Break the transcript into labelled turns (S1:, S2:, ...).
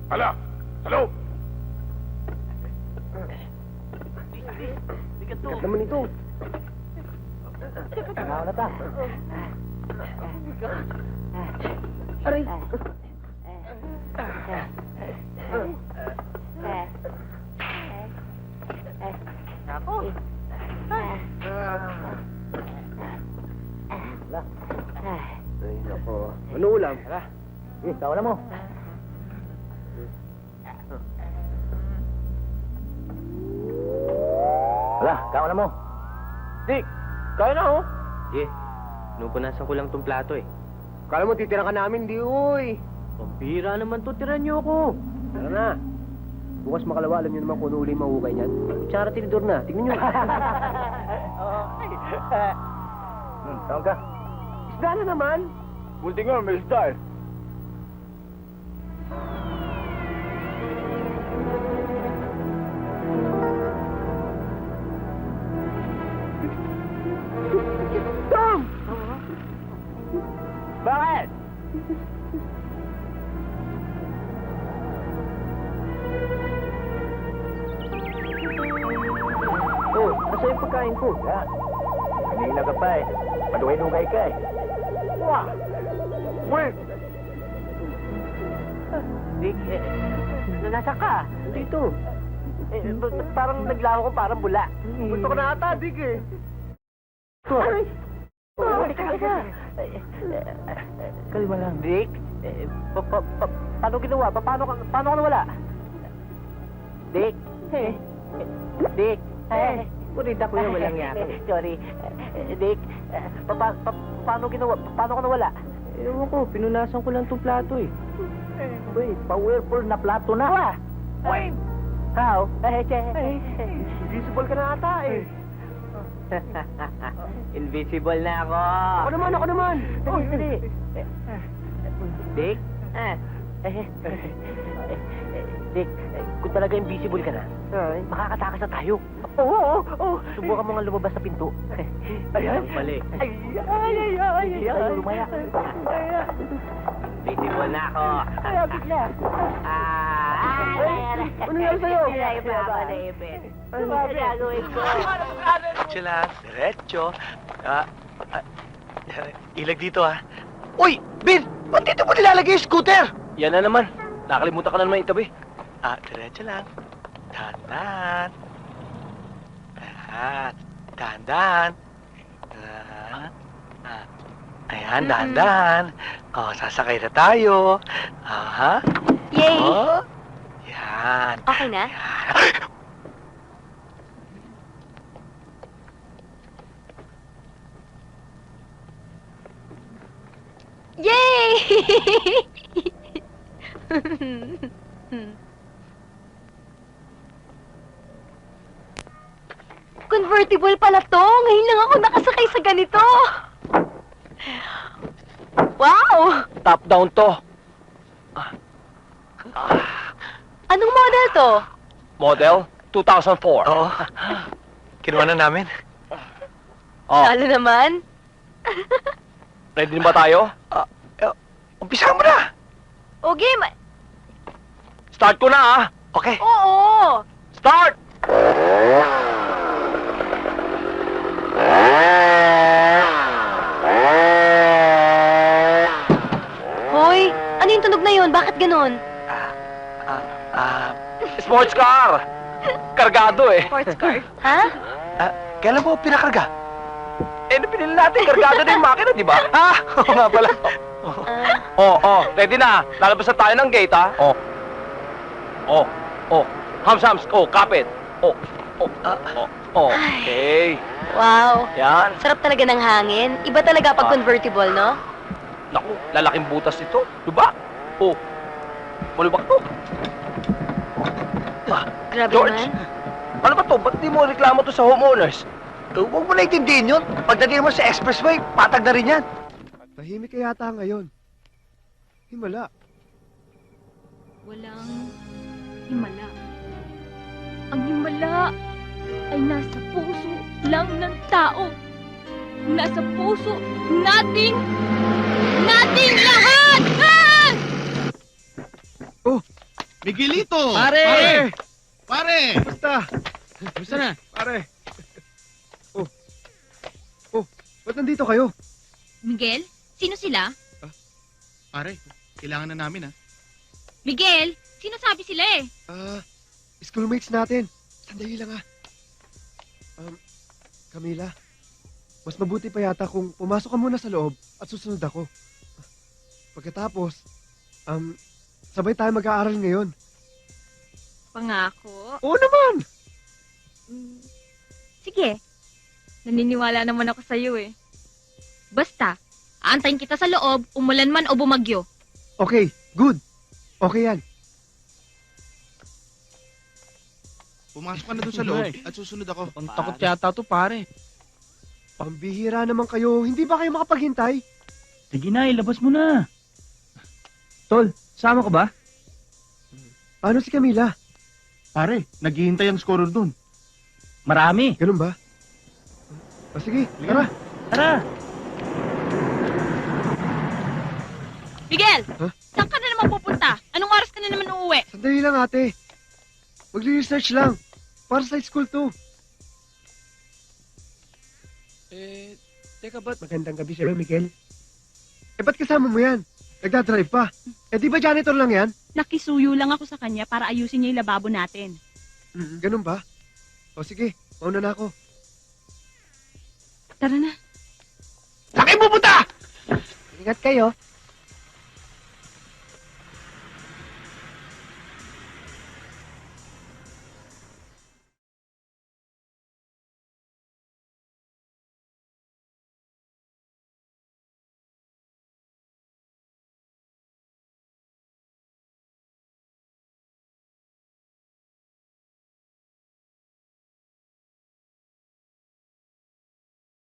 S1: Hala! Sa loob!
S2: Bigat naman ito. Tanaw na ta. Aray! Ako. Wala. Ay, nako. Ano ulam? Wala. Kawalan mo. Wala, kawalan mo. Dick, kaya na oh.
S3: Pinupunasan ko lang tong plato eh.
S2: Kala mo titira ka namin, di uy.
S3: Pambira naman to, tiran niyo ako.
S2: Tara na. Bukas makalawa, alam niyo naman kung ano uli mahukay niyan. Kutsara tinidor na, tignan niyo. Tawag ka. Isda na naman.
S1: Buti nga, may isda eh.
S2: Tom! Bakit? Oh, nasa yung pagkain ko? Ya. Kanina ka pa eh. Paduhay-dugay ka eh.
S1: Wah! Wait!
S3: Dick, nasa ka?
S2: Dito.
S3: Parang naglaho ko parang bula.
S2: Gusto ko na ata, Dick eh.
S3: Ay!
S2: Teka. Kalma lang.
S3: Dick, paano ginawa? Paano ka nawala? Dick? Dick?
S2: Kurita ko yan, walang yaka.
S3: Sorry. Dick, paano ginawa? Paano ka nawala?
S2: Ewan ko, pinunasan ko lang itong plato eh.
S3: Uy, powerful na plato na.
S2: Wait!
S3: How?
S2: Invisible ka na ata eh.
S3: Invisible na ako.
S2: Ako naman.
S3: Dali. Dick? Dick, kung talaga invisible ka na, makakatakas na tayo.
S2: Oo.
S3: Subukan mo nga lumabas sa pinto.
S2: Ayan.
S3: Balik.
S2: Ay.
S3: Ayaw lumaya. Invisible na ako.
S2: Ayaw, bigla. Ano nangyari sa'yo?
S3: Ay, papanipin. Ano gagawin ko?
S4: Diretso lang, diretso. Ilag dito, ha? Uy! Bin! Ba't dito mo nilalagay yung scooter?
S3: Yan na naman. Nakalimutan ka na naman itabi.
S4: Diretso lang. Dahan-dahan. Dahan-dahan. Ayan, dahan-dahan. Sasakay na tayo. Aha.
S5: Yay!
S4: Oh. Yan.
S5: Okay na?
S4: Yan.
S5: Yay! Convertible pala to. Ngayon lang ako nakasakay sa ganito. Wow!
S3: Top-down to.
S5: Anong model to?
S3: Model 2004.
S4: Oo. Kinuha na namin.
S3: Oh,
S5: Lalo naman.
S3: ready na ba tayo?
S4: Umpisa mo na.
S5: O game.
S3: Start ko na, ha?
S4: Okay.
S5: Oo.
S3: Start!
S5: Hoy, ano yung tunog na yun? Bakit ganun?
S3: Sports car! Kargado eh.
S5: Sports car. Ha?
S4: Kailan mo pinakarga?
S3: Pinili natin, kargado na yung makina, di ba? Oo nga pala. Ready na. Lalabas na tayo ng gate, ha? Hams. Kapit. Okay.
S5: Wow.
S3: Yan.
S5: Sarap talaga ng hangin. Iba talaga pag convertible, no?
S3: Naku, lalaking butas ito. Diba? Malubak to.
S5: Grabe
S3: George,
S5: naman.
S3: ano ba to? Ba't di mo reklamo to sa homeowners?
S4: Huwag mo naiintindihin yun. Pagdating mo sa expressway, patag na rin yan.
S6: Tahimik ka yata ngayon. Himala.
S7: Walang himala. Ang himala ay nasa puso lang ng tao. Nasa puso nating lahat! Ah!
S8: Miguelito!
S4: Pare!
S8: Pare!
S6: Basta!
S4: Gusto na?
S6: Pare! Oh, ba't nandito kayo?
S7: Miguel, sino sila?
S8: Pare, kailangan na namin, ha?
S7: Miguel, sinasabi sila eh.
S6: Schoolmates natin. Sandali lang Camila, mas mabuti pa yata kung pumasok ka muna sa loob at susunod ako. Pagkatapos, sabay tayo mag-aaral ngayon.
S7: Pangako.
S6: Oo naman!
S7: Sige. Naniniwala naman ako sa'yo eh. Basta, aantayin kita sa loob, umulan man o bumagyo.
S6: Okay, good. Okay yan.
S8: Pumasok ka na doon sa loob at susunod ako.
S4: Ang takot yata to, pare.
S6: Pambihira naman kayo. Hindi ba kayo makapaghintay?
S2: Sige na, ilabas mo na. Tol, sama ka ba?
S6: Paano si Camila?
S8: Pare, naghihintay ang scorer doon.
S2: Marami.
S6: Ganun ba? Sige, tara.
S2: Tara.
S7: Miguel!
S6: Huh?
S7: Saan ka na naman pupunta? Anong oras ka na naman uuwi?
S6: Sandali lang ate. Magre-research lang. Para sa school to.
S4: Teka ba't?
S6: Magandang gabi sa'yo, Miguel. Ba't kasama mo yan? Nagdadrive pa. Di ba janitor lang yan?
S5: Nakisuyo lang ako sa kanya para ayusin niya yung lababo natin.
S6: Ganun ba? O sige, mauna na ako.
S5: Tara na.
S4: Saan kayo pupunta?
S6: Ingat kayo.